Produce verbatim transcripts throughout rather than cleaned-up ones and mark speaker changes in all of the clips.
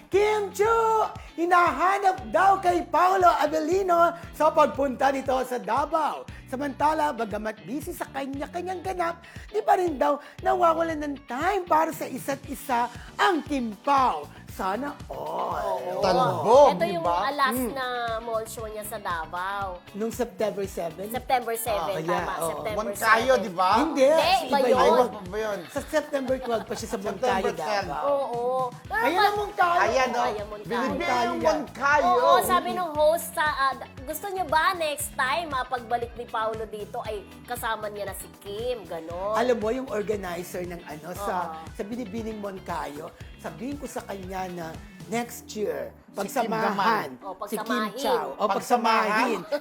Speaker 1: Kim Chu! Hinahanap daw kay Paolo Avellino sa pagpunta nito sa Davao. Samantala, bagamat busy sa kanya-kanyang ganap, di pa rin daw nawawalan ng time para sa isa't isa ang Kim Pao. Sana all.
Speaker 2: Talbog,
Speaker 3: Ito
Speaker 2: di
Speaker 3: yung
Speaker 2: ba?
Speaker 3: uh, last na mall show niya sa Davao.
Speaker 1: Nung September seventh?
Speaker 3: September seventh,
Speaker 1: Ah, yeah,
Speaker 3: tama.
Speaker 1: oo.
Speaker 3: September
Speaker 2: Moncayo,
Speaker 3: seventh.
Speaker 2: di ba?
Speaker 1: Hindi.
Speaker 3: Hindi, iba
Speaker 2: Ay,
Speaker 3: yun.
Speaker 2: wag pa ba yun?
Speaker 1: Sa September twelve pa siya sa Moncayo,
Speaker 2: September tenth.
Speaker 1: Davao.
Speaker 3: Oo. Pero
Speaker 1: Ayan
Speaker 3: pag-
Speaker 1: ang Moncayo.
Speaker 2: Ayan, o.
Speaker 3: Ayan, Moncayo.
Speaker 2: Binibigyan yung
Speaker 1: Moncayo.
Speaker 2: Moncayo.
Speaker 3: Oo, sabi nung host sa ah, gusto niyo ba next time ah, pagbalik ni Paolo dito ay kasama niya na si Kim, ganon.
Speaker 1: Alam mo, yung organizer ng ano, sa,
Speaker 3: Oo.
Speaker 1: sa Binibining Moncayo, sabihin ko sa kanya na next year,
Speaker 2: Kim
Speaker 1: pagsamahan,
Speaker 3: naman. O,
Speaker 1: si Kim
Speaker 3: pagsamahin.
Speaker 1: Chow. O,
Speaker 2: Pagsamahin.
Speaker 1: pagsamahin.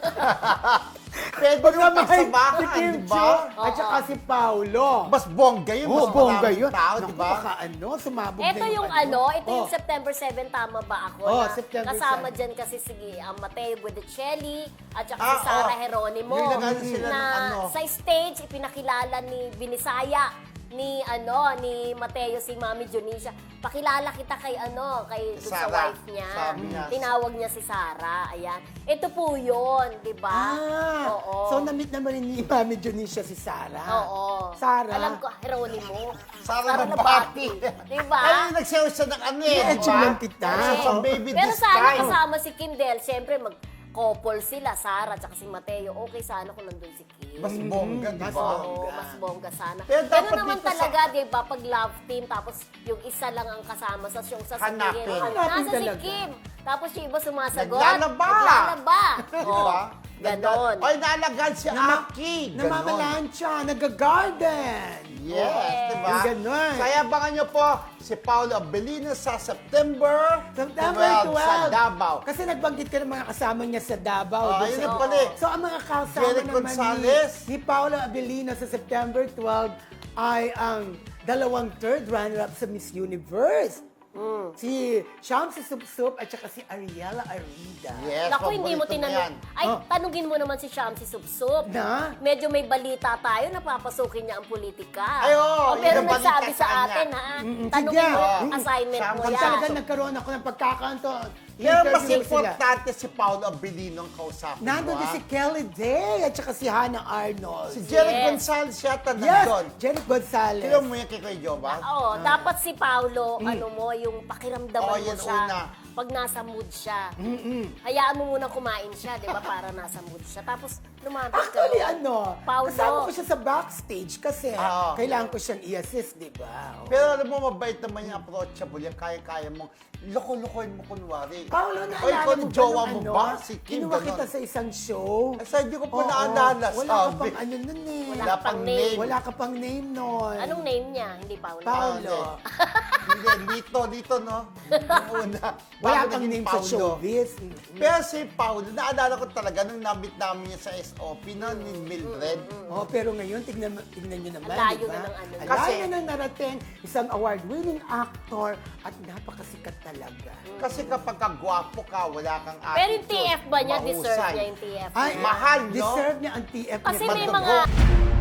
Speaker 2: Pwede naman pagsamahan,
Speaker 1: si Kim
Speaker 2: di ba?
Speaker 1: Chow at saka si Paolo.
Speaker 2: Mas bongga yun.
Speaker 1: Oo,
Speaker 2: mas
Speaker 1: bongga
Speaker 2: maraming
Speaker 1: yun.
Speaker 2: tao, di
Speaker 1: Naku,
Speaker 2: ba?
Speaker 1: baka ano, sumabog
Speaker 3: Ito
Speaker 1: na
Speaker 3: yung ano, ito yung
Speaker 1: Oh.
Speaker 3: September seventh, tama ba ako?
Speaker 1: Oh,
Speaker 3: na
Speaker 1: September
Speaker 3: kasama
Speaker 1: seventh.
Speaker 3: dyan kasi si um, Mateo Guidicelli at saka
Speaker 2: Ah,
Speaker 3: si Sara
Speaker 2: oh.
Speaker 3: Geronimo.
Speaker 2: Yung nag-ano sila
Speaker 3: na
Speaker 2: ng ano.
Speaker 3: sa stage, ipinakilala ni Binisaya ni ano ni Mateo si Mami Dionisio. Pakilala kita kay ano, kay dun sa
Speaker 2: Sara.
Speaker 3: wife niya.
Speaker 2: Sabi niya.
Speaker 3: Tinawag niya si Sara. Ayan. Ito po 'yon, 'di ba?
Speaker 1: Ah,
Speaker 3: Oo.
Speaker 1: so na-meet naman ni Mami Dionisio si Sarah.
Speaker 3: Oo.
Speaker 1: Sara.
Speaker 3: Alam ko, Geronimo.
Speaker 2: Sara Nabati.
Speaker 3: Di ba?
Speaker 2: Ay, nagsayaw siya ng ano eh,
Speaker 1: Yeah,
Speaker 2: di ba?
Speaker 1: chillang kita.
Speaker 2: Ano,
Speaker 1: Oo.
Speaker 2: sa baby
Speaker 3: Pero
Speaker 2: this
Speaker 3: sana
Speaker 2: time.
Speaker 3: kasama si Kim dahil siyempre mag-couple sila, Sara at si Mateo. Okay sana kung nandun si Kim.
Speaker 2: Mas bongga, di
Speaker 1: mas
Speaker 2: ba?
Speaker 3: Oo, mas bongga sana.
Speaker 2: Pero
Speaker 3: Pero
Speaker 2: dapat
Speaker 3: naman
Speaker 2: dito sa-
Speaker 3: talaga, di ba, pag love team, tapos yung isa lang ang kasama sa show, sasabihin,
Speaker 2: Hanapin.
Speaker 1: Hanapin
Speaker 3: nasa si
Speaker 1: talaga.
Speaker 3: Kim. Tapos yung iba sumasagot.
Speaker 2: Naglalaba.
Speaker 3: Naglalaba.
Speaker 2: Di
Speaker 3: Oo,
Speaker 2: ba?
Speaker 3: ganon.
Speaker 2: Ay, naalagaan si
Speaker 1: Nama-
Speaker 2: Aki. Ganon.
Speaker 1: Namamalansya, nag-garden.
Speaker 2: Yes,
Speaker 3: Yes.
Speaker 2: di ba?
Speaker 1: Yung ganon.
Speaker 2: Kaya abangan nyo po si Paolo Avellino sa September
Speaker 1: September
Speaker 2: twelve sa
Speaker 1: twelve.
Speaker 2: Davao.
Speaker 1: Kasi nagbanggit ka ng mga kasama niya sa Davao.
Speaker 2: Oh,
Speaker 1: Doon
Speaker 2: ayun
Speaker 1: sa-
Speaker 2: na pala eh.
Speaker 1: So, ang mga kasama
Speaker 2: Jerry
Speaker 1: naman
Speaker 2: Gonzalez.
Speaker 1: ni, ni Paolo Avellino sa September twelve ay ang dalawang third runner-up sa Miss Universe.
Speaker 2: Mm.
Speaker 1: Si Shamsi Supsup at saka si Ariela Arida.
Speaker 2: Yes,
Speaker 3: Naku, hindi mo
Speaker 2: paborito na yan.
Speaker 3: tinanong. Ay,
Speaker 1: Oh.
Speaker 3: tanungin mo naman si Shamsi Subsup.
Speaker 1: Na?
Speaker 3: Medyo may balita tayo na papasukin niya ang politika.
Speaker 2: Ay, oo,
Speaker 3: O, pero
Speaker 2: yung
Speaker 3: nagsabi
Speaker 2: balita
Speaker 3: sa
Speaker 2: sa kanya.
Speaker 3: atin, ha?
Speaker 1: Mm-mm,
Speaker 3: Tanungin
Speaker 1: sige.
Speaker 3: mo yung
Speaker 2: Mm.
Speaker 3: assignment mo
Speaker 2: Pag
Speaker 3: yan.
Speaker 1: Talagang nagkaroon ako ng pagkakanto.
Speaker 2: Pero mas
Speaker 1: Interview sila.
Speaker 2: importante si Paolo Avellino ang kausapin
Speaker 1: Nandun
Speaker 2: mo,
Speaker 1: din
Speaker 2: ah.
Speaker 1: si Kelly Day at saka si Hannah Arnold.
Speaker 2: Si Jerry
Speaker 3: Yes.
Speaker 2: Gonzalez yata
Speaker 1: Yes,
Speaker 2: nandun.
Speaker 1: Jenny Gonzalez.
Speaker 2: Kaya mo yan kay Kuya Joe ba?
Speaker 3: Oo, dapat si Paolo, ano mo, yung pakiramdaman
Speaker 2: Oo,
Speaker 3: mo
Speaker 2: yan
Speaker 3: siya.
Speaker 2: una.
Speaker 3: Pag nasa mood siya. Hayaan mo muna kumain siya, di ba? Para nasa mood siya. Tapos lumapit ka
Speaker 1: Actually,
Speaker 3: doon.
Speaker 1: ano,
Speaker 3: Paolo.
Speaker 1: kasama ko siya sa backstage kasi
Speaker 2: Oo.
Speaker 1: kailangan ko siyang i-assist, di ba?
Speaker 2: Pero alam mo, mabait naman yung approachable yan. Kaya-kaya mong loko-lokohin mo kunwari.
Speaker 1: Paolo,
Speaker 2: Oy,
Speaker 1: naalala
Speaker 2: kung
Speaker 1: mo ba
Speaker 2: jowa
Speaker 1: nung
Speaker 2: mo
Speaker 1: ano,
Speaker 2: ba? Si Kim,
Speaker 1: kinuha
Speaker 2: ganon.
Speaker 1: kita sa isang show.
Speaker 2: Ay, sa hindi ko pa
Speaker 1: Oo,
Speaker 2: naalala,
Speaker 1: Wala ka
Speaker 2: sabi.
Speaker 1: pang ano nun eh.
Speaker 3: Wala
Speaker 2: Wala
Speaker 3: pang
Speaker 2: pang
Speaker 3: name.
Speaker 2: name.
Speaker 1: Wala ka pang name nun.
Speaker 3: Anong name niya? Hindi Paolo.
Speaker 1: Paolo.
Speaker 2: Hindi, dito, dito, no? Yung una.
Speaker 1: Wala
Speaker 2: Bago
Speaker 1: kang
Speaker 2: naging
Speaker 1: name sa
Speaker 2: Paolo.
Speaker 1: showbiz. Mm.
Speaker 2: Pero si Paolo, naalala ko talaga nung nabit namin niya sa S O P na ni Mildred.
Speaker 1: Oh, pero ngayon, tignan, tignan nyo naman,
Speaker 3: Ang layo
Speaker 1: di ba?
Speaker 3: na ng ano.
Speaker 1: Ang
Speaker 2: Kasi-
Speaker 1: layo na narating, isang award-winning actor at napakasikat talaga.
Speaker 2: Kasi kapag kagwapo ka, wala kang attitude.
Speaker 3: Pero yung T F ba niya, deserve
Speaker 2: mahusay.
Speaker 3: niya yung T F
Speaker 1: Ay,
Speaker 3: niya?
Speaker 2: mahal, no?
Speaker 1: Deserve niya ang T F
Speaker 3: Kasi
Speaker 1: niya.
Speaker 3: may
Speaker 2: Madugo.
Speaker 3: mga